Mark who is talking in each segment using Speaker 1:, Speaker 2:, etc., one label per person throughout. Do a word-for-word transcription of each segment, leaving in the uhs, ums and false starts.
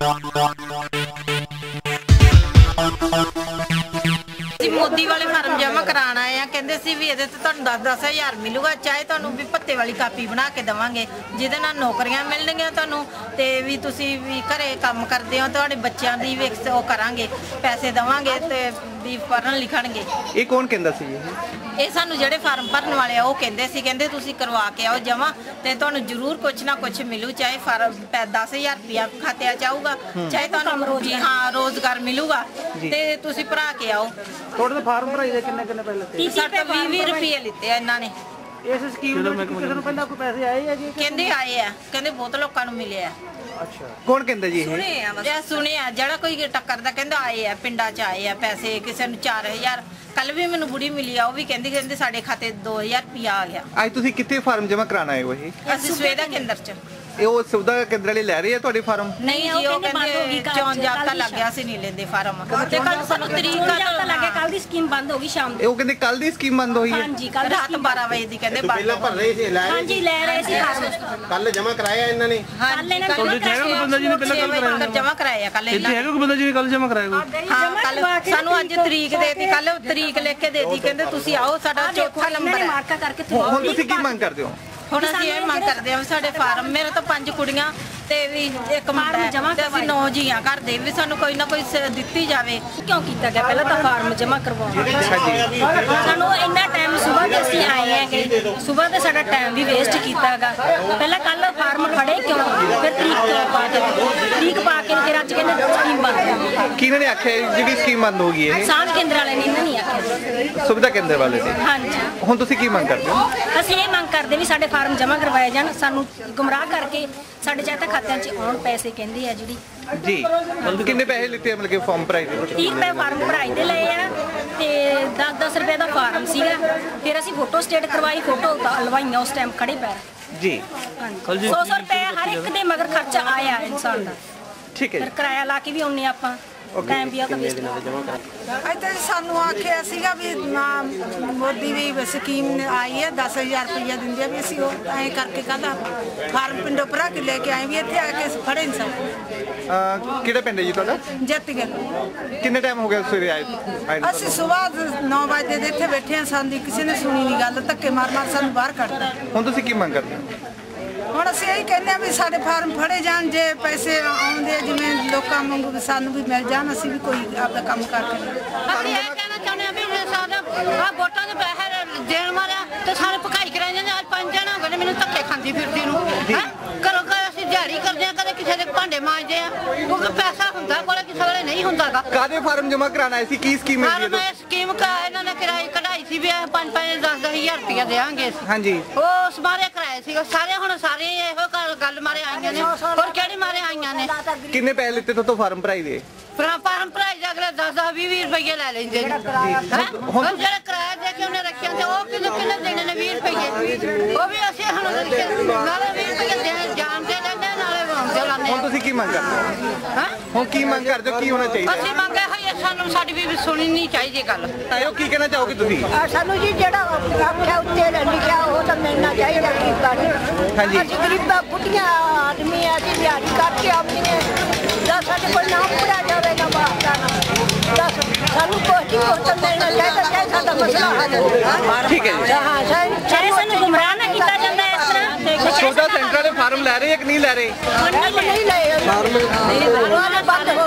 Speaker 1: मोदी वाले फार्म जमा कराना है, कहते सी भी ये तो दस दस हज़ार मिलूगा, चाहे तुहानू भी भत्ते वाली कापी बना के देवांगे जिहदे नाल नौकरियां मिलणगियां तुहानू, ते भी तुसी भी घरे काम करदे हो तुहाडे बच्चियां दी भी ओ करांगे, पैसे देवांगे ते भी पढ़न लिखणगे।
Speaker 2: ये कौन कहंदा सी?
Speaker 1: ये सानू जेडे फार्म भरन वाले आ कहते सी, कहते तुसी करवा के आओ जमा ते तुहानू जरूर कुछ ना कुछ मिलू, चाहे फार्म दस हज़ार रुपया खाते च आऊगा, चाहे तुहानू जी हाँ रोजगार मिलूगा ते तुसी भरा के आओ।
Speaker 2: थोड़े फार्म भराई दे किन्ने किन्ने पहले
Speaker 1: साढ़े बीस बीस रुपये लिते हैं इन्होंने।
Speaker 2: इस स्कीम में किसी को पहले आपको पैसे आए हैं जी?
Speaker 1: कहते आए हैं, कहते बहुत लोगों को मिले हैं।
Speaker 2: अच्छा, कौन कहता जी?
Speaker 1: सुने हैं सुने हैं जरा कोई टक्कर दा कहंदा आए हैं, पिंडा च आए हैं पैसे, किसी ने चार हज़ार कल भी मैनू बुढ़ी मिली आ, वो भी कहती कहते साढ़े खाते दो हज़ार रुपया आ गया।
Speaker 2: आज तुसी कितने फार्म जमा कराना है? वही
Speaker 1: असि सुविधा केंद्र च।
Speaker 2: ਇਹ ਉਹ ਸੁਵਿਧਾ ਕੇਂਦਰ ਵਾਲੇ ਲੈ ਰਹੇ ਆ ਤੁਹਾਡੇ ਫਾਰਮ?
Speaker 1: ਨਹੀਂ ਜੀ, ਉਹ ਕਹਿੰਦੇ ਚੌਂ ਜਾਬਤਾ ਲੱਗ ਗਿਆ ਸੀ, ਨਹੀਂ ਲੈਂਦੇ ਫਾਰਮ ਤੇ ਕੱਲ ਸਾਨੂੰ ਤਰੀਕ ਜਾਬਤਾ ਲੱਗ ਗਿਆ, ਕੱਲ ਦੀ ਸਕੀਮ ਬੰਦ ਹੋ ਗਈ ਸ਼ਾਮ ਨੂੰ।
Speaker 2: ਉਹ ਕਹਿੰਦੇ ਕੱਲ ਦੀ ਸਕੀਮ ਬੰਦ ਹੋਈ ਹੈ?
Speaker 1: ਹਾਂਜੀ, ਕੱਲ ਰਾਤ ਬਾਰਾਂ ਵਜੇ ਦੀ ਕਹਿੰਦੇ ਬੰਦ।
Speaker 3: ਪਹਿਲਾਂ ਭਰ ਰਹੇ ਸੀ, ਲੈ
Speaker 1: ਹਾਂਜੀ ਲੈ ਰਹੇ ਸੀ ਫਾਰਮ,
Speaker 3: ਕੱਲ ਜਮਾ ਕਰਾਇਆ ਇਹਨਾਂ ਨੇ।
Speaker 1: ਕੱਲ ਇਹਨਾਂ ਨੇ ਤੁਹਾਡੇ ਹੈਗਾ ਕੋਈ ਬੰਦਾ ਜੀ ਨੇ ਪਹਿਲਾਂ ਕੱਲ ਕਰਾਇਆ ਜਮਾ ਕਰਾਇਆ ਕੱਲ ਇਹਨਾਂ ਨੇ?
Speaker 4: ਹੈਗਾ ਕੋਈ ਬੰਦਾ ਜੀ ਨੇ ਕੱਲ ਜਮਾ ਕਰਾਇਆ ਕੋਈ?
Speaker 1: ਹਾਂ ਕੱਲ ਸਾਨੂੰ ਅੱਜ ਤਰੀਕ ਦੇਤੀ, ਕੱਲ ਤਰੀਕ ਲਿਖ ਕੇ ਦੇਤੀ, ਕਹਿੰਦੇ ਤੁਸੀਂ ਆਓ, ਸਾਡਾ ਚੌਥਾ ਨੰਬਰ ਹੈ ਮਾਰਕਾ ਕਰਕੇ।
Speaker 2: ਹੁਣ ਤੁਸੀਂ ਕੀ ਮੰਗ ਕਰਦੇ ਹੋ?
Speaker 1: ਹੁਣ ਅਸੀਂ ਇਹ ਮੰਗ ਕਰਦੇ ਹਾਂ ਸਾਡੇ ਫਾਰਮ, ਮੇਰੇ ਤਾਂ ਪੰਜ ਕੁੜੀਆਂ ਤੇ ਵੀ ਇੱਕ ਮੁੰਡਾ ਤੇ ਅਸੀਂ ਨੌ ਜੀਆਂ ਘਰ ਦੇ, ਵੀ ਸਾਨੂੰ ਕੋਈ ਨਾ ਕੋਈ ਦਿੱਤੀ ਜਾਵੇ। ਕਿਉਂ ਕੀਤਾ ਗਿਆ? ਪਹਿਲਾਂ ਤਾਂ ਫਾਰਮ ਜਮ੍ਹਾਂ ਕਰਵਾਉਣਾ, ਸਾਨੂੰ ਇੰਨਾ ਟਾਈਮ ਸਵੇਰ ਦੇ ਅਸੀਂ ਆਏ ਹੈਗੇ, ਸਵੇਰ ਦੇ ਸਾਡਾ ਟਾਈਮ ਵੀ ਵੇਸਟ ਕੀਤਾ ਹੈਗਾ। ਪਹਿਲਾਂ ਕੱਲ ਫਾਰਮ ਫੜੇ ਕਿਉਂ, ਫਿਰ ਤਰੀਕ ਪਾ ਕੇ ਤਰੀਕ ਪਾ ਕੇ ਫਿਰ ਅੱਜ ਕਹਿੰਦੇ ਸਕੀਮ ਬੰਦ।
Speaker 2: ਕਿਹਨਾਂ ਨੇ ਆਖਿਆ ਜਿਹੜੀ ਸਕੀਮ ਬੰਦ ਹੋ ਗਈ ਹੈ?
Speaker 1: ਸਾਂਝ ਕੇਂਦਰ ਵਾਲੇ ਨੇ, ਇਹਨਾਂ ਨਹੀਂ ਆਖਿਆ,
Speaker 2: ਸੁਵਿਧਾ ਕੇਂਦਰ ਵਾਲੇ ਨੇ।
Speaker 1: ਹਾਂਜੀ,
Speaker 2: ਹੁਣ ਤੁਸੀਂ ਕੀ ਮੰਗ ਕਰਦੇ ਹੋ?
Speaker 1: ਅਸੀਂ ਇਹ ਮੰਗ ਕਰਦੇ ਵੀ ਸਾਡੇ ਫਾਰਮ ਜਮ੍ਹਾਂ ਕਰਵਾਏ ਜਾਣ, ਸਾਨੂੰ ਗੁੰਮਰਾਹ ਕਰਕੇ ਸਾਡੇ ਚਾਹਤਾ ਖਾਤਿਆਂ 'ਚ ਆਉਣ ਪੈਸੇ ਕਹਿੰਦੇ ਆ ਜਿਹੜੀ।
Speaker 2: ਜੀ ਕਿੰਨੇ ਪੈਸੇ ਲਿੱਤੇ ਆ? ਮਤਲਬ ਕਿ ਫਾਰਮ ਭਰਾਈ ਦੇ?
Speaker 1: ਤੀਹ ਰੁਪਏ ਫਾਰਮ ਭਰਾਈ ਦੇ ਲਏ ਆ ਤੇ ਦਸ ਦਸ ਰੁਪਏ ਦਾ ਫਾਰਮ ਸੀਗਾ, ਫਿਰ ਅਸੀਂ ਫੋਟੋ ਸਟੇਟ ਕਰਵਾਈ, ਫੋਟੋ ਲਵਾਈਆਂ ਉਸ ਟਾਈਮ ਖੜੇ ਪੈਰ
Speaker 2: ਜੀ।
Speaker 1: ਹਾਂਜੀ, ਸੌ ਸੌ ਰੁਪਏ ਹਰ ਇੱਕ ਦੇ ਮਗਰ ਖਰਚਾ ਆਇਆ ਇਨਸਾਨ ਦਾ।
Speaker 2: ਠੀਕ ਹੈ,
Speaker 1: ਫਿਰ ਕਿਰਾਇਆ ਲਾ ਕੇ ਵੀ ਆਉਨੇ ਆਪਾਂ, ਟਾਈਮ ਵੀ ਆਉਂਦਾ ਵੇਸਟ।
Speaker 5: ਇੱਥੇ ਸਾਨੂੰ ਆਖਿਆ ਸੀਗਾ ਵੀ ਮੋਦੀ ਵੀ ਸਕੀਮ ਆਈ ਹੈ, ਦਸ ਹਜ਼ਾਰ ਰੁਪਇਆ ਦਿੰਦੇ ਆ, ਵੀ ਅਸੀਂ ਉਹ ਐਂ ਕਰਕੇ ਕਹਿੰਦਾ ਫਾਰਮ ਪਿੰਡੋਂ ਭਰਾ ਕੇ ਲੈ ਕੇ ਆਏ, ਵੀ ਇੱਥੇ ਆ ਕੇ ਫੜੇ ਨਹੀਂ ਸਕਦੇ।
Speaker 2: ਕਿਹੜਾ ਪਿੰਡ ਹੈ ਜੀ ਤੁਹਾਡਾ?
Speaker 5: ਜੱਤੀਗੜ੍ਹ।
Speaker 2: ਕਿੰਨੇ ਟਾਈਮ ਹੋ ਗਿਆ ਸਵੇਰੇ ਆਏ?
Speaker 5: ਅਸੀਂ ਸਵੇਰ ਨੌ ਵਜੇ ਦੇ ਇੱਥੇ ਬੈਠੇ ਹਾਂ, ਸਾਨੂੰ ਕਿਸੇ ਨੇ ਸੁਣੀ ਨਹੀਂ ਗੱਲ, ਧੱਕੇ ਮਾਰ ਮਾਰ ਸਾਨੂੰ ਬਾਹਰ ਕੱਢਦਾ।
Speaker 2: ਹੁਣ ਤੁਸੀਂ ਕੀ ਮੰਗ ਕਰਦੇ ਹੋ?
Speaker 5: ਹੁਣ ਅਸੀਂ ਇਹੀ ਕਹਿੰਦੇ ਆ ਵੀ ਸਾਡੇ ਫਾਰਮ ਫੜੇ ਜਾਣ, ਜੇ ਪੈਸੇ ਆਉਂਦੇ ਜਿਵੇਂ ਲੋਕਾਂ ਵਾਂਗੂ ਸਾਨੂੰ ਵੀ ਮਿਲ ਜਾਣ, ਅਸੀਂ ਵੀ ਕੋਈ ਆਪਦਾ ਕੰਮ ਕਰਕੇ।
Speaker 6: ਅਸੀਂ ਇਹ ਕਹਿਣਾ ਚਾਹੁੰਦੇ ਆ ਵੀ ਸਾਡਾ ਆ ਵੋਟਾਂ ਦੇ ਪੈਸੇ ਦੇਣ ਵਾਲਿਆ ਤੇ ਸਾਰੇ ਭਕਾਈ ਕਰਾਈ ਜਾਂਦੇ। ਅੱਜ ਪੰਜ ਜਣਾ ਹੋ ਗਏ ਮੈਨੂੰ ਧੱਕੇ ਖਾਂਦੀ ਫਿਰਦੀ ਨੂੰ, ਹੈ ਘਰੋਂ ਘਰ ਅਸੀਂ ਦਿਹਾੜੀ ਕਰਦੇ ਆ, ਕਦੇ ਕਿਸੇ ਦੇ ਭਾਂਡੇ ਮਾਂਜਦੇ ਆ, ਕਿਉਂਕਿ ਪੈਸਾ ਹੁੰਦਾ ਕੋਲੇ, ਕਿਸੇ ਵੇਲੇ ਨਹੀਂ ਹੁੰਦਾਗਾ।
Speaker 2: ਕਾਹਦੇ ਫਾਰਮ ਜਮਾ ਕਰਾਣਾ ਸੀ? ਕੀ ਸਕੀਮ ਹੈ
Speaker 6: ਜੀ? ਸਕੀਮ ਕਾ ਇਹਨਾਂ ਨੇ ਕਿਰਾਏ ਕਢਾਈ ਸੀ ਵੀ ਪੰਜ ਪੰਜ ਦਸ ਦਸ ਹਜ਼ਾਰ ਰੁਪਇਆ ਦੇਵਾਂਗੇ।
Speaker 2: ਹਾਂਜੀ,
Speaker 6: ਉਹ ਸਮਾਰੇ ਕਰਾਏ ਸੀ ਸਾਰੇ। ਹੁਣ ਸਾਰੇ ਇਹੋ ਗੱਲ ਮਾਰੇ ਆਈਆਂ ਨੇ, ਹੋਰ ਕਿਹੜੀ ਮਾਰੇ ਆਈਆਂ ਨੇ?
Speaker 2: ਕਿੰਨੇ ਪੈਸੇ ਲਿੱਤੇ ਤੋਂ ਫਾਰਮ ਭਰਾਈ ਦੇ?
Speaker 6: ਫਾਰਮ ਭਰਾਈ ਦੇ ਅਗਲੇ ਦਸ ਦਸ ਵੀਹ ਵੀਹ ਰੁਪਏ ਲੈ ਲੈਂਦੇ ਨੇ। ਹੁਣ ਜਿਹੜਾ ਕਿਰਾਇਆ ਦੇ ਕੇ ਉਹਨੇ ਰੱਖਿਆ ਤੇ ਉਹ ਕਿੰਨੇ ਕਿੰਨੇ ਦੇਣੇ ਨੇ? ਵੀਹ ਰੁਪਏ। ਉਹ ਵੀ ਅਸੀਂ ਹੁਣ ਨਾਲੇ ਵੀਹ ਰੁਪਏ ਦੇ ਜਾਣ ਦੇ ਲੈਂਦੇ, ਨਾਲੇ ਵਾਉਂਦੇ ਲਾਉਂਦੇ।
Speaker 2: ਹੁਣ ਤੁਸੀਂ ਕੀ ਮੰਗ ਕਰਦੇ ਹੋ? ਹੁਣ ਕੀ ਮੰਗ ਕਰਦੇ ਹੋ? ਕੀ ਹੋਣਾ ਚਾਹੀਦਾ?
Speaker 6: ਅਸੀਂ ਮੰਗਿਆ ਹੋਈ ਸਾਨੂੰ ਸਾਡੀ ਵੀ ਸੁਣੀ ਨਹੀਂ ਚਾਹੀਦੀ ਗੱਲ।
Speaker 2: ਆਇਓ, ਕੀ ਕਹਿਣਾ ਚਾਹੋਗੇ ਤੁਸੀਂ?
Speaker 7: ਸਾਨੂੰ ਜੀ ਜਿਹੜਾ ਆਖਿਆ ਉੱਤੇ ਲਿਖਿਆ ਉਹ ਤਾਂ ਮਿਲਣਾ ਚਾਹੀਦਾ।
Speaker 2: ਹਾਂਜੀ,
Speaker 7: ਅਸੀਂ ਗਰੀਬਾਂ ਬੁੱਢੀਆਂ ਆਦਮੀ ਆ ਜੀ, ਦਿਹਾੜੀ ਕਰਕੇ ਆਉਂਦੀਆਂ, ਦਸ ਸਾਡੇ ਕੋਲ ਨਾਮ ਪੜਿਆ ਜਾਵੇਗਾ ਬਾਹਰ ਨਾ, ਦਸ ਸਾਨੂੰ ਕੋਈ ਕੁਝ ਤਾਂ ਮਿਲਣਾ ਚਾਹੀਦਾ, ਚਾਹੇ ਸਾਡਾ ਮਸਲਾ ਹੱਲ ਹੋਵੇ।
Speaker 2: ਠੀਕ ਹੈ ਜੀ।
Speaker 7: ਹਾਂ,
Speaker 1: ਚਾਹੇ ਸਾਨੂੰ ਗੁੰਮਰਾਹ ਨਾ ਕੀਤਾ ਜਾਂਦਾ ਇਸ ਤਰ੍ਹਾਂ।
Speaker 2: ਸੁਵਿਧਾ ਸੈਂਟਰ ਦੇ ਫਾਰਮ ਲੈ ਰਹੇ ਕਿ ਨਹੀਂ ਲੈ ਰਹੇ?
Speaker 7: ਨਹੀਂ ਲਏ ਫਾਰਮ ਬੰਦ ਹੋ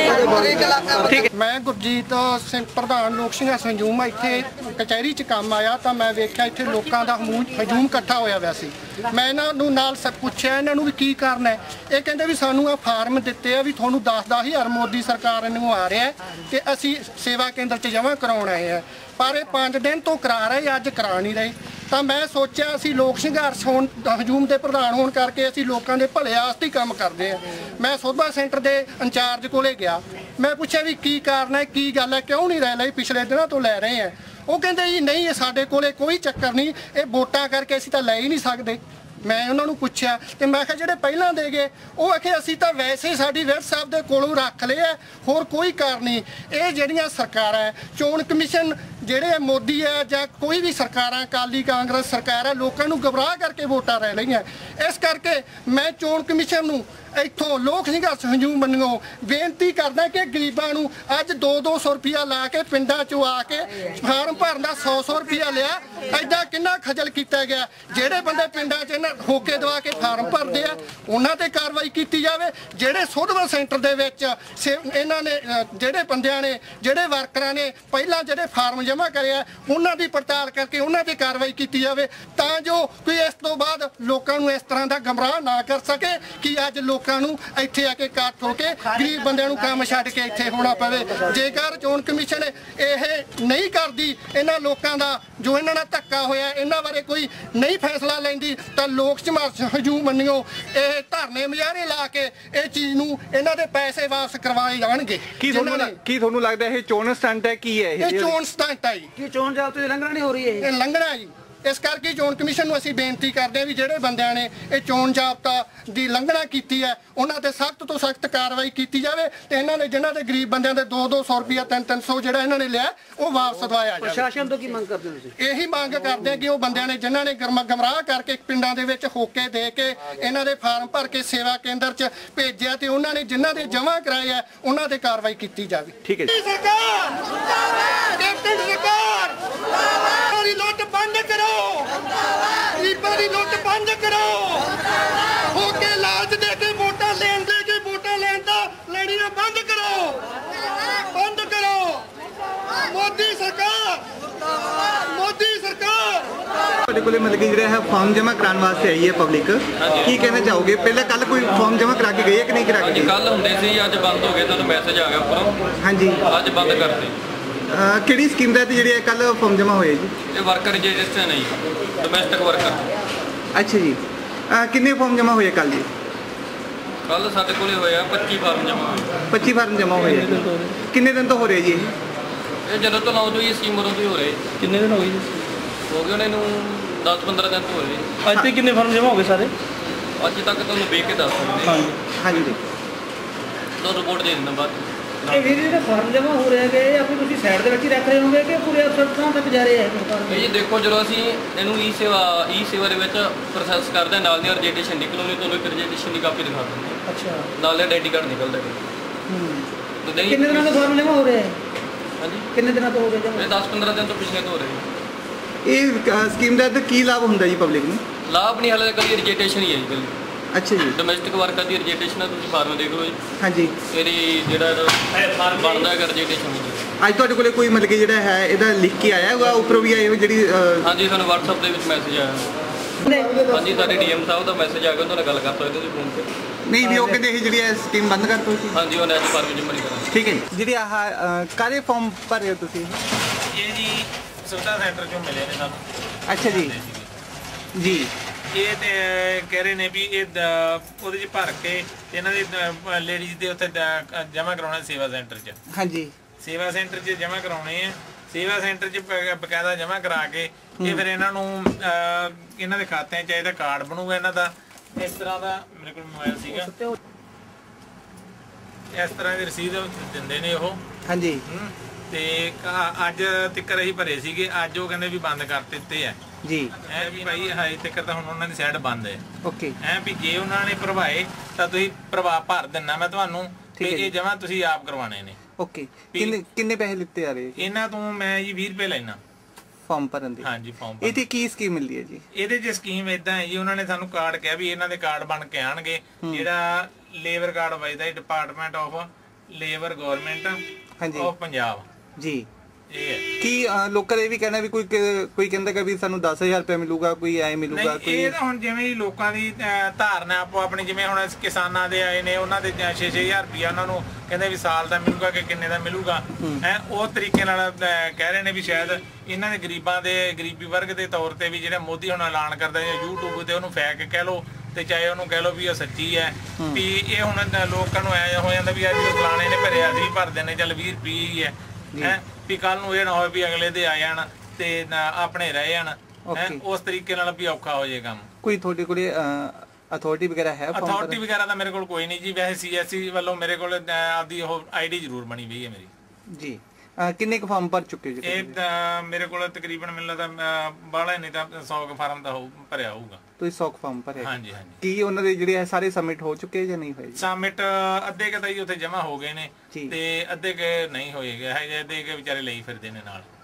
Speaker 7: ਗਏ।
Speaker 2: ਠੀਕ ਹੈ।
Speaker 8: ਮੈਂ ਗੁਰਜੀਤ ਸਿੰਘ ਪ੍ਰਧਾਨ ਲੋਕ ਸੰਘਰਸ਼ ਹਜੂਮ ਇੱਥੇ ਕਚਹਿਰੀ 'ਚ ਕੰਮ ਆਇਆ ਤਾਂ ਮੈਂ ਵੇਖਿਆ ਇੱਥੇ ਲੋਕਾਂ ਦਾ ਹਜੂਮ ਇਕੱਠਾ ਹੋਇਆ ਹੋਇਆ ਸੀ। ਮੈਂ ਇਹਨਾਂ ਨੂੰ ਨਾਲ ਪੁੱਛਿਆ ਇਹਨਾਂ ਨੂੰ ਵੀ ਕੀ ਕਰਨਾ ਹੈ। ਇਹ ਕਹਿੰਦੇ ਵੀ ਸਾਨੂੰ ਆ ਫਾਰਮ ਦਿੱਤੇ ਆ ਵੀ ਤੁਹਾਨੂੰ ਦਸ ਦਸ ਹਜ਼ਾਰ ਮੋਦੀ ਸਰਕਾਰ ਨੂੰ ਆ ਰਿਹਾ ਤੇ ਅਸੀਂ ਸੇਵਾ ਕੇਂਦਰ 'ਚ ਜਮ੍ਹਾਂ ਕਰਾਉਣ ਆਏ ਆ, ਪਰ ਇਹ ਪੰਜ ਦਿਨ ਤੋਂ ਕਰਾ ਰਹੇ, ਅੱਜ ਕਰਾ ਨਹੀਂ ਰਹੇ। ਤਾਂ ਮੈਂ ਸੋਚਿਆ ਅਸੀਂ ਲੋਕ ਸੰਘਰਸ਼ ਹੋਣ ਹਜੂਮ ਦੇ ਪ੍ਰਧਾਨ ਹੋਣ ਕਰਕੇ ਅਸੀਂ ਲੋਕਾਂ ਦੇ ਭਲੇ ਵਾਸਤੇ ਕੰਮ ਕਰਦੇ ਆ। ਮੈਂ ਸੋਭਾ ਸੈਂਟਰ ਦੇ ਇੰਚਾਰਜ ਕੋਲੇ ਗਿਆ, ਮੈਂ ਪੁੱਛਿਆ ਵੀ ਕੀ ਕਾਰਨ ਹੈ, ਕੀ ਗੱਲ ਹੈ, ਕਿਉਂ ਨਹੀਂ ਰਹਿ ਲਈ, ਪਿਛਲੇ ਦਿਨਾਂ ਤੋਂ ਲੈ ਰਹੇ ਆ। ਉਹ ਕਹਿੰਦੇ ਜੀ ਨਹੀਂ, ਇਹ ਸਾਡੇ ਕੋਲੇ ਕੋਈ ਚੱਕਰ ਨਹੀਂ, ਇਹ ਵੋਟਾਂ ਕਰਕੇ ਅਸੀਂ ਤਾਂ ਲੈ ਹੀ ਨਹੀਂ ਸਕਦੇ। ਮੈਂ ਉਹਨਾਂ ਨੂੰ ਪੁੱਛਿਆ ਤੇ ਮੈਂ ਕਿਹਾ ਜਿਹੜੇ ਪਹਿਲਾਂ ਦੇ ਗਏ ਉਹ ਆਖੇ ਅਸੀਂ ਤਾਂ ਵੈਸੇ ਹੀ ਸਾਡੀ ਵਿਰਧ ਸਾਹਿਬ ਦੇ ਕੋਲੋਂ ਰੱਖ ਲਿਆ, ਹੋਰ ਕੋਈ ਕਾਰਨ ਨਹੀਂ। ਇਹ ਜਿਹੜੀਆਂ ਸਰਕਾਰਾਂ ਚੋਣ ਕਮਿਸ਼ਨ ਜਿਹੜੇ ਮੋਦੀ ਹੈ ਜਾਂ ਕੋਈ ਵੀ ਸਰਕਾਰਾਂ ਅਕਾਲੀ ਕਾਂਗਰਸ ਸਰਕਾਰ ਹੈ ਲੋਕਾਂ ਨੂੰ ਗੁੰਮਰਾਹ ਕਰਕੇ ਵੋਟਾਂ ਲੈ ਲਈਆਂ। ਇਸ ਕਰਕੇ ਮੈਂ ਚੋਣ ਕਮਿਸ਼ਨ ਨੂੰ ਇੱਥੋਂ ਲੋਕ ਸੰਘਰਸ਼ ਹਜੂਮ ਮੰਨਿਓ ਬੇਨਤੀ ਕਰਦਾ ਕਿ ਗਰੀਬਾਂ ਨੂੰ ਅੱਜ ਦੋ ਦੋ ਸੌ ਰੁਪਇਆ ਲਾ ਕੇ ਪਿੰਡਾਂ 'ਚੋਂ ਆ ਕੇ ਫਾਰਮ ਭਰਨ ਦਾ ਸੌ ਸੌ ਰੁਪਇਆ ਲਿਆ। ਐਡਾ ਕਿੰਨਾ ਖਜਲ ਕੀਤਾ ਗਿਆ। ਜਿਹੜੇ ਬੰਦੇ ਪਿੰਡਾਂ 'ਚ ਇਹਨਾਂ ਹੋਕੇ ਦਵਾ ਕੇ ਫਾਰਮ ਭਰਦੇ ਆ ਉਹਨਾਂ ਤੇ ਕਾਰਵਾਈ ਕੀਤੀ ਜਾਵੇ। ਜਿਹੜੇ ਸੋਧਵਾ ਸੈਂਟਰ ਦੇ ਵਿੱਚ ਇਹਨਾਂ ਨੇ ਜਿਹੜੇ ਬੰਦਿਆਂ ਨੇ ਜਿਹੜੇ ਵਰਕਰਾਂ ਨੇ ਪਹਿਲਾਂ ਜਿਹੜੇ ਫਾਰਮ ਜਮ੍ਹਾਂ ਕਰਿਆ ਉਹਨਾਂ ਦੀ ਪੜਤਾਲ ਕਰਕੇ ਉਹਨਾਂ ਤੇ ਕਾਰਵਾਈ ਕੀਤੀ ਜਾਵੇ ਤਾਂ ਜੋ ਕੋਈ ਇਸ ਤੋਂ ਬਾਅਦ ਲੋਕਾਂ ਨੂੰ ਇਸ ਤਰ੍ਹਾਂ ਦਾ ਗਮਰਾਹ ਨਾ ਕਰ ਸਕੇ ਕਿ ਅੱਜ ਲੋਕਾਂ ਨੂੰ ਇੱਥੇ ਆ ਕੇ ਇਕੱਠ ਹੋ ਕੇ ਗਰੀਬ ਬੰਦਿਆਂ ਨੂੰ ਕੰਮ ਛੱਡ ਕੇ ਇੱਥੇ ਹੋਣਾ ਪਵੇ। ਜੇਕਰ ਚੋਣ ਕਮਿਸ਼ਨ ਇਹ ਨਹੀਂ ਕਰਦੀ ਇਹਨਾਂ ਲੋਕਾਂ ਦਾ ਜੋ ਇਹਨਾਂ ਨਾਲ ਧੱਕਾ ਹੋਇਆ ਇਹਨਾਂ ਬਾਰੇ ਕੋਈ ਨਹੀਂ ਫੈਸਲਾ ਲੈਂਦੀ ਤਾਂ ਲੋਕ ਸੰਘਰਸ਼ ਹਜੂਮ ਮੰਨਿਓ ਇਹ ਧਰਨੇ ਮੁਜ਼ਾਹਰੇ ਲਾ ਕੇ ਇਹ ਚੀਜ਼ ਨੂੰ ਇਹਨਾਂ ਦੇ ਪੈਸੇ ਵਾਪਸ ਕਰਵਾਏ ਜਾਣਗੇ।
Speaker 2: ਕੀ ਤੁਹਾਨੂੰ ਕੀ ਤੁਹਾਨੂੰ ਲੱਗਦਾ ਇਹ ਚੋਣ ਸਟੰਟ ਹੈ ਕੀ ਹੈ
Speaker 8: ਇਹ ਚੋਣ ਸਟੰਟ ਹੈ ਜੀ।
Speaker 4: ਕੀ ਚੋਣ ਜਾਬਤੇ ਦੀ ਲੰਘਣਾ ਨਹੀਂ ਹੋ ਰਹੀ ਹੈ
Speaker 8: ਇਹ ਲੰਘਣਾ ਜੀ। ਇਸ ਕਰਕੇ ਚੋਣ ਕਮਿਸ਼ਨ ਨੂੰ ਅਸੀਂ ਬੇਨਤੀ ਕਰਦੇ ਹਾਂ ਵੀ ਜਿਹੜੇ ਬੰਦਿਆਂ ਨੇ ਇਹ ਚੋਣ ਜਾਬਤਾ ਦੀ ਲੰਘਣਾ ਕੀਤੀ ਹੈ ਉਹਨਾਂ ਤੇ ਸਖਤ ਤੋਂ ਸਖਤ ਕਾਰਵਾਈ ਕੀਤੀ ਜਾਵੇ ਤੇ ਇਹਨਾਂ ਨੇ ਜਿਨ੍ਹਾਂ ਦੇ ਗਰੀਬ ਬੰਦਿਆਂ ਦੇ ਦੋ ਦੋ ਸੌ ਰੁਪਇਆ ਤਿੰਨ ਤਿੰਨ ਸੌ ਜਿਹੜਾ ਇਹਨਾਂ ਨੇ ਲਿਆ ਉਹ ਵਾਪਸ ਦਵਾਇਆ ਜਾਵੇ।
Speaker 4: ਪ੍ਰਸ਼ਾਸਨ ਤੋਂ ਕੀ ਮੰਗ ਕਰਦੇ ਹੋ ਤੁਸੀਂ?
Speaker 8: ਇਹੀ ਮੰਗ ਕਰਦੇ ਆ ਕਿ ਉਹ ਬੰਦਿਆਂ ਨੇ ਜਿਨ੍ਹਾਂ ਨੇ ਗਮਰਾਹ ਕਰਕੇ ਪਿੰਡਾਂ ਦੇ ਵਿੱਚ ਹੋਕੇ ਦੇ ਕੇ ਇਹਨਾਂ ਦੇ ਫਾਰਮ ਭਰ ਕੇ ਸੇਵਾ ਕੇਂਦਰ 'ਚ ਭੇਜਿਆ ਤੇ ਉਹਨਾਂ ਨੇ ਜਿਨ੍ਹਾਂ ਦੇ ਜਮ੍ਹਾਂ ਕਰਾਏ ਆ ਉਹਨਾਂ ਤੇ ਕਾਰਵਾਈ ਕੀਤੀ ਜਾਵੇ।
Speaker 2: ਠੀਕ ਹੈ ਜੀ।
Speaker 8: ਸਰਕਾਰ ਜਿੰਦਾਬਾਦ। ਕੈਪਟਨ ਸਰਕਾਰ ਜਿੰਦਾਬਾਦ। ਦੀ ਲੁੱਟ ਬੰਦ ਕਰੋ। ਗਰੀਬਾਂ ਦੀ ਲੁੱਟ ਬੰਦ ਕਰੋ। ਹੋਕੇ ਲਾਲਚ ਦੇ ਕੇ ਵੋਟਾਂ ਲੈਣ ਦੇ ਕੇ ਵੋਟਾਂ ਲੈਣ ਦਾ ਲੜੀਆਂ ਬੰਦ ਕਰੋ। ਬੰਦ ਕਰੋ। ਮੋਦੀ ਸਰਕਾਰ ਮੋਦੀ ਸਰਕਾਰ।
Speaker 2: ਤੁਹਾਡੇ ਕੋਲੇ ਮਤਲਬ ਕਿ ਜਿਹੜਾ ਹੈ ਫਾਰਮ ਜਮ੍ਹਾਂ ਕਰਾਉਣ ਵਾਸਤੇ ਆਈ ਹੈ ਪਬਲਿਕ ਕੀ ਕਹਿਣਾ ਚਾਹੋਗੇ? ਪਹਿਲਾਂ ਕੱਲ ਕੋਈ ਫਾਰਮ ਜਮ੍ਹਾਂ ਕਰਾ ਕੇ ਗਈ ਹੈ ਕਿ ਨਹੀਂ ਕਰਾ ਕੇ ਗਈ?
Speaker 9: ਕੱਲ ਹੁੰਦੇ ਸੀ ਅੱਜ ਬੰਦ ਹੋ ਗਏ। ਤੁਹਾਨੂੰ ਮੈਸੇਜ ਆ ਗਿਆ ਉੱਪਰੋਂ।
Speaker 2: ਹਾਂਜੀ
Speaker 9: ਅੱਜ ਬੰਦ ਕਰਤੇ।
Speaker 2: ਕਿਹੜੀ ਸਕੀਮ ਦਾ ਜਿਹੜੇ ਕੱਲ ਫਾਰਮ ਜਮ੍ਹਾਂ ਹੋਏ ਜੀ?
Speaker 9: ਇਹ ਵਰਕਰ ਰਜਿਸਟਰ ਨਹੀਂ ਡੋਮੈਸਟਿਕ ਵਰਕਰ।
Speaker 2: ਅੱਛਾ ਜੀ। ਕਿੰਨੇ ਫਾਰਮ ਜਮ੍ਹਾਂ ਹੋਏ ਕੱਲ ਜੀ?
Speaker 9: ਕੱਲ ਸਾਡੇ ਕੋਲੇ ਹੋਇਆ ਪੱਚੀ ਫਾਰਮ ਜਮ੍ਹਾਂ ਹੋਏ।
Speaker 2: ਪੱਚੀ ਫਾਰਮ ਜਮ੍ਹਾਂ ਹੋਏ ਕਿੰਨੇ ਦਿਨ ਤੋਂ ਹੋ ਰਹੇ ਜੀ ਇਹ?
Speaker 9: ਇਹ ਜਦੋਂ ਤੋਂ ਲਾਉਂਦੇ ਹੋਈ ਸਕੀਮ ਉਦੋਂ ਤੋਂ ਹੀ ਹੋ ਰਹੇ।
Speaker 4: ਕਿੰਨੇ ਦਿਨ ਹੋ ਗਏ ਜੀ?
Speaker 9: ਹੋ ਗਏ ਉਹਨਾਂ ਨੂੰ ਦਸ ਪੰਦਰਾਂ ਦਿਨ ਤੋਂ ਹੋ ਰਹੇ।
Speaker 4: ਅੱਜ ਤੇ ਕਿੰਨੇ ਫਾਰਮ ਜਮ੍ਹਾਂ ਹੋ ਗਏ ਸਾਰੇ?
Speaker 9: ਅੱਜ ਤੱਕ ਤੁਹਾਨੂੰ ਵੇਖ ਕੇ ਦੱਸ ਸਕਦੇ।
Speaker 4: ਹਾਂਜੀ
Speaker 2: ਹਾਂਜੀ ਜੀ।
Speaker 9: ਤੁਹਾਨੂੰ ਰਿਪੋਰਟ ਦੇ ਦਿੰਦਾ ਬਾਅਦ।
Speaker 4: ਇਹ ਵੀਰ ਜਿਹੜੇ ਫਾਰਮ ਜਮ੍ਹਾਂ ਹੋ ਰਹੇ ਹੈਗੇ ਜਾਂ ਫਿਰ ਤੁਸੀਂ ਸਾਈਡ ਦੇ ਵਿੱਚ ਹੀ ਰੱਖ ਰਹੇ ਹੋਗੇ ਕਿ ਪੂਰੇ ਅਫਸਰ ਥਾਂ ਤੱਕ ਜਾ ਰਹੇ ਹੈ?
Speaker 9: ਇਹ ਜੀ ਦੇਖੋ ਜਦੋਂ ਅਸੀਂ ਇਹਨੂੰ ਈ ਸੇਵਾ ਈ ਸੇਵਾ ਦੇ ਵਿੱਚ ਪ੍ਰੋਸੈਸ ਕਰਦੇ ਨਾਲ ਦੀ ਰਜਿਸਟ੍ਰੇਸ਼ਨ ਨਿਕਲੂਗੀ ਤੁਹਾਨੂੰ ਇੱਕ ਰਜਿਸਟ੍ਰੇਸ਼ਨ ਦੀ ਕਾਪੀ ਦਿਖਾ ਦਿੰਦੇ।
Speaker 4: ਅੱਛਾ।
Speaker 9: ਨਾਲ ਆਈਡੀ ਕਾਰਡ ਨਿਕਲਦਾ ਹੈ।
Speaker 4: ਕਿੰਨੇ ਦਿਨਾਂ ਤੋਂ ਫਾਰਮ ਜਮ੍ਹਾਂ ਹੋ ਰਹੇ ਹੈ?
Speaker 9: ਹਾਂਜੀ
Speaker 4: ਕਿੰਨੇ ਦਿਨਾਂ ਤੋਂ ਹੋ ਗਏ ਜਮ੍ਹਾਂ?
Speaker 9: ਇਹ ਦਸ ਪੰਦਰਾਂ ਦਿਨ ਤੋਂ ਪਿਛਲੇ ਤੋਂ ਹੋ ਰਹੇ।
Speaker 2: ਇਹ ਸਕੀਮ ਦਾ ਕੀ ਲਾਭ ਹੁੰਦਾ ਜੀ ਪਬਲਿਕ ਨੂੰ?
Speaker 9: ਲਾਭ ਨਹੀਂ ਹਾਲੇ ਕੱਲੀ ਰਜਿਸਟ੍ਰੇਸ਼ਨ ਹੀ ਹੈ ਜੀ ਕੱਲੀ।
Speaker 2: ਅੱਛਾ ਜੀ।
Speaker 9: ਡੋਮੈਸਟਿਕ ਵਰਕਰ ਦੀ ਰਜਿਸਟ੍ਰੇਸ਼ਨ ਹੈ। ਤੁਸੀਂ ਫਾਰਮ ਦੇਖ ਲਓ ਜੀ।
Speaker 2: ਹਾਂਜੀ।
Speaker 9: ਤੇਰੀ ਜਿਹੜਾ ਫਾਰਮ ਬਣਦਾ ਹੈ ਰਜਿਸਟ੍ਰੇਸ਼ਨ।
Speaker 2: ਅੱਜ ਤੁਹਾਡੇ ਕੋਲੇ ਕੋਈ ਮਤਲਬ ਕਿ ਜਿਹੜਾ ਹੈ ਇਹਦਾ ਲਿਖ ਕੇ ਆਇਆ ਹੋਊਗਾ ਉੱਪਰੋਂ ਵੀ ਆਏ ਜਿਹੜੀ?
Speaker 9: ਹਾਂਜੀ ਸਾਨੂੰ WhatsApp ਦੇ ਵਿੱਚ ਮੈਸੇਜ ਆਇਆ। ਹਾਂਜੀ ਸਾਡੇ ਡੀਐਮ ਸਾਹਿਬ ਦਾ ਮੈਸੇਜ ਆ ਗਿਆ। ਉਹਨਾਂ ਨਾਲ ਗੱਲ ਕਰ ਸਕਦੇ ਤੁਸੀਂ ਫੋਨ ਤੇ।
Speaker 2: ਨਹੀਂ ਵੀ ਉਹ ਕਹਿੰਦੇ ਇਹ ਜਿਹੜੀ ਸਕੀਮ ਬੰਦ ਕਰ ਦੋ ਸੀ।
Speaker 9: ਹਾਂਜੀ ਉਹਨੇ ਅੱਜ ਫਾਰਮ ਜਮ੍ਹਾਂ ਨਹੀਂ ਕਰਾਂਗੇ।
Speaker 2: ਠੀਕ ਹੈ ਜੀ। ਜਿਹੜੀ ਆਹ ਕਾਰੇ ਫਾਰਮ ਭਰ ਰਹੇ ਹੋ ਤੁਸੀਂ?
Speaker 10: ਇਹ ਜੀ ਸੁਵਿਧਾ ਸੈਂਟਰ ਚੋਂ ਮਿਲੇ ਨੇ ਸਾਨੂੰ।
Speaker 2: ਅੱਛਾ ਜੀ ਜੀ।
Speaker 10: ਇਹ ਤੇ ਕਹਿ ਰਹੇ ਨੇ ਵੀ ਇਹ ਉਹਦੇ 'ਚ ਭਰ ਕੇ ਇਹਨਾਂ ਦੇ ਲੇਡੀਜ਼ ਦੇ ਉੱਥੇ ਜਮ੍ਹਾਂ ਕਰਾਉਣਾ ਸੇਵਾ ਸੈਂਟਰ 'ਚ।
Speaker 2: ਹਾਂਜੀ।
Speaker 10: ਸੇਵਾ ਸੈਂਟਰ 'ਚ ਜਮ੍ਹਾਂ ਕਰਾਉਣੇ ਆ। ਸੇਵਾ ਸੈਂਟਰ 'ਚ ਬਕਾਇਦਾ ਜਮ੍ਹਾਂ ਕਰਾ ਕੇ ਇਹ ਫਿਰ ਇਹਨਾਂ ਨੂੰ ਇਹਨਾਂ ਦੇ ਖਾਤਿਆਂ 'ਚ ਇਹਦਾ ਕਾਰਡ ਬਣੂਗਾ ਇਹਨਾਂ ਦਾ। ਇਸ ਤਰ੍ਹਾਂ ਦਾ ਮੇਰੇ ਕੋਲ ਮੋਬਾਈਲ ਸੀਗਾ। ਇਸ ਤਰ੍ਹਾਂ ਦੀ ਰਸੀਦ ਦਿੰਦੇ ਨੇ ਉਹ। ਹਾਂਜੀ। ਤੇ ਅੱਜ ਤੱਕ ਅਸੀਂ ਭਰੇ ਸੀਗੇ। ਅੱਜ ਉਹ ਕਹਿੰਦੇ ਵੀ ਬੰਦ ਕਰ ਦਿੱਤੇ ਆ ਜੀ। ਐ ਵੀ ਭਾਈ ਹਾਈ ਤੱਕ ਤਾਂ ਹੁਣ ਉਹਨਾਂ ਦੀ ਸਾਈਡ ਬੰਦ ਹੈ। ਓਕੇ। ਐ ਵੀ ਜੇ ਉਹਨਾਂ ਨੇ ਭਰਵਾਏ ਤਾਂ ਤੁਸੀਂ ਪ੍ਰਭਾਵ ਭਰ ਦਿੰਨਾ ਮੈਂ ਤੁਹਾਨੂੰ ਤੇ ਇਹ ਜਮਾ ਤੁਸੀਂ ਆਪ ਕਰਵਾਣੇ ਨੇ। ਓਕੇ। ਕਿੰਨੇ ਕਿੰਨੇ ਪੈਸੇ ਲਿੱਤੇ ਆ ਰਹੇ? ਇਹਨਾਂ ਤੋਂ ਮੈਂ ਜੀ ਵੀਹ ਰੁਪਏ ਲੈਣਾ ਫਾਰਮ ਭਰਨ ਦੇ। ਹਾਂਜੀ ਫਾਰਮ। ਇਹਦੀ ਕੀ ਸਕੀਮ ਮਿਲਦੀ ਹੈ ਜੀ? ਇਹਦੇ 'ਚ ਸਕੀਮ ਇਦਾਂ ਹੈ ਜੀ ਉਹਨਾਂ ਨੇ ਸਾਨੂੰ ਕਾਰਡ ਕਿਹਾ ਵੀ ਇਹਨਾਂ ਦੇ ਕਾਰਡ ਬਣ ਕੇ ਆਣਗੇ। ਜਿਹੜਾ ਲੇਬਰ ਕਾਰਡ ਵਜਦਾ ਹੈ department of labour government of Punjab ਜੀ। ਕੀ ਲੋਕਾਂ ਇਹ ਵੀ ਕਹਿਣਾ ਵੀ ਕੋਈ ਕੋਈ ਕਹਿੰਦਾ ਕਿ ਵੀ ਸਾਨੂੰ ਦਸ ਹਜ਼ਾਰ ਰੁਪਏ ਮਿਲੂਗਾ ਕੋਈ ਐ ਮਿਲੂਗਾ ਕੋਈ? ਇਹ ਤਾਂ ਹੁਣ ਜਿਵੇਂ ਲੋਕਾਂ ਦੀ ਧਾਰਨਾ ਆਪੋ ਆਪਣੀ ਜਿਵੇਂ ਹੁਣ ਕਿਸਾਨਾਂ ਦੇ ਆਏ ਨੇ ਉਹਨਾਂ ਦੇ ਛੇ ਛੇ ਹਜ਼ਾਰ ਰੁਪਇਆ ਉਹਨਾਂ ਨੂੰ ਕਹਿੰਦੇ ਵੀ ਸਾਲ ਦਾ ਮਿਲੂਗਾ ਕਿ ਕਿੰਨੇ ਦਾ ਮਿਲੂਗਾ ਹੈ ਉਹ ਤਰੀਕੇ ਨਾਲ ਕਹਿ ਰਹੇ ਨੇ ਵੀ ਸ਼ਾਇਦ ਇਹਨਾਂ ਦੇ ਗਰੀਬਾਂ ਦੇ ਗਰੀਬੀ ਵਰਗ ਦੇ ਤੌਰ ਤੇ ਵੀ ਜਿਹੜਾ ਮੋਦੀ ਹੁਣ ਐਲਾਨ ਕਰਦਾ ਜਾਂ ਯੂਟਿਊਬ ਤੇ ਉਹਨੂੰ ਫੈਕ ਕਹਿ ਲਓ ਤੇ ਚਾਹੇ ਉਹਨੂੰ ਕਹਿ ਲਓ ਵੀ ਉਹ ਸੱਚੀ ਹੈ ਵੀ ਇਹ ਹੁਣ ਲੋਕਾਂ ਨੂੰ ਐ ਹੋ ਜਾਂਦਾ ਵੀ ਅੱਜ ਫਲਾਣੇ ਨੇ ਭਰਿਆ ਸੀ ਭਰਦੇ ਨੇ ਚੱਲ ਵੀਹ ਰੁਪਏ ਹੀ ਹੈ ਹੈ ਵੀ ਕੱਲ ਨੂੰ ਇਹ ਨਾ ਹੋਵੇ ਵੀ ਅਗਲੇ ਦੇ ਆ ਜਾਣ ਤੇ ਆਪਣੇ ਰਹਿ ਜਾਣ ਉਸ ਤਰੀਕੇ ਨਾਲ ਵੀ ਔਖਾ ਹੋ ਜਾਏ ਕੰਮ। ਕੋਈ ਤੁਹਾਡੇ ਕੋਲੇ ਅਥਾਰਟੀ ਵਗੈਰਾ ਹੈ? ਅਥਾਰਟੀ ਵਗੈਰਾ ਤਾਂ ਮੇਰੇ ਕੋਲ ਕੋਈ ਨਹੀਂ ਜੀ। ਵੈਸੇ ਸੀਐਸਸੀ ਵੱਲੋਂ ਮੇਰੇ ਕੋਲ ਆਪਦੀ ਉਹ ਆਈਡੀ ਜ਼ਰੂਰ ਬਣੀ ਹੋਈ ਹੈ ਮੇਰੀ ਜੀ। ਕਿੰਨੇ ਕੁ ਫਾਰਮ ਭਰ ਚੁੱਕੇ ਜੀ? ਇਹ ਮੇਰੇ ਕੋਲ ਤਕਰੀਬਨ ਮੈਨੂੰ ਲੱਗਦਾ ਬਾਹਲਾ ਨਹੀਂ ਤਾਂ ਸੌ ਕੁ ਫਾਰਮ ਦਾ ਭਰਿਆ ਹੋਊਗਾ।
Speaker 2: ਤੁਸੀਂ ਸੌ ਫਾਰਮ ਭਰੇ?
Speaker 10: ਹਾਂਜੀ ਹਾਂਜੀ।
Speaker 2: ਕੀ ਉਹਨਾਂ ਦੇ ਜਿਹੜੇ ਸਾਰੇ ਸਬਮਿਟ ਹੋ ਚੁੱਕੇ ਜਾਂ ਨਹੀਂ ਹੋਏ?
Speaker 10: ਸਬਮਿਟ ਅੱਧੇ ਕੁ ਤਾਂ ਜੀ ਉੱਥੇ ਜਮ੍ਹਾਂ ਹੋ ਗਏ ਨੇ ਤੇ ਅੱਧੇ ਕੁ ਨਹੀਂ ਹੋਏ ਗਏ, ਅੱਧੇ ਕੁ ਵਿਚਾਰੇ ਲਈ ਫਿਰਦੇ ਨੇ ਨਾਲ।